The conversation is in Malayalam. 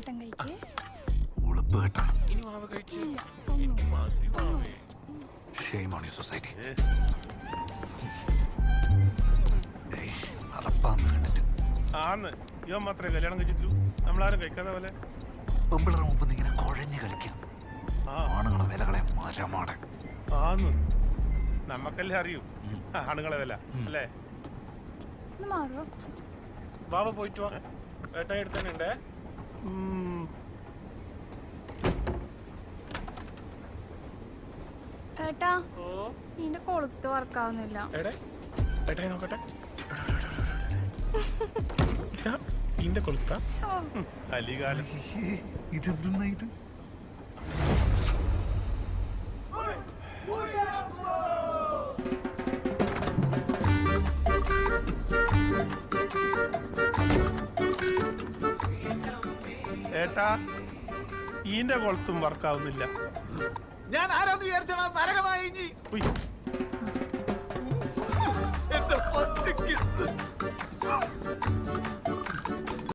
ഏട്ടൻ കഴിക്കേ. ഉളുപ്പ് കേട്ടാ. ഇനി മാവ കഴിച്ച് Shame on your society. അറപ്പാന്ന് കണ്ടിട്ട് ആന്ന് ഇവൻ മാത്രമേ കല്യാണം കഴിച്ചിട്ടുള്ളൂ. നമ്മളാരും കഴിക്കാതെ പോലെ പെമ്പിളർ മുമ്പ് ഇങ്ങനെ കുഴഞ്ഞു കളിക്കാം. ആണുങ്ങളെ വിലകളെ മരമാടെ ആന്ന് നമ്മക്കല്ലേ അറിയൂ ആണുങ്ങളെ വില അല്ലേ. മാറോ വാവ പോയിട്ട് വാ. ഏട്ടാ എടുത്തന്നെ. ഏട്ടാ നിന്റെ കൊളുത്ത് വർക്കാവുന്നില്ല. ഏട്ടായി നോക്കട്ടെ. ഇന്റെ കൊളുത്ത അലികാലം ഇതെന്തെന്നാ ഇത്? ഏട്ടാ ഈന്റെ കൊളുത്തും വർക്കാവുന്നില്ല. ഞാൻ ആരാന്ന് വിചാരിച്ചാ നരകമായി.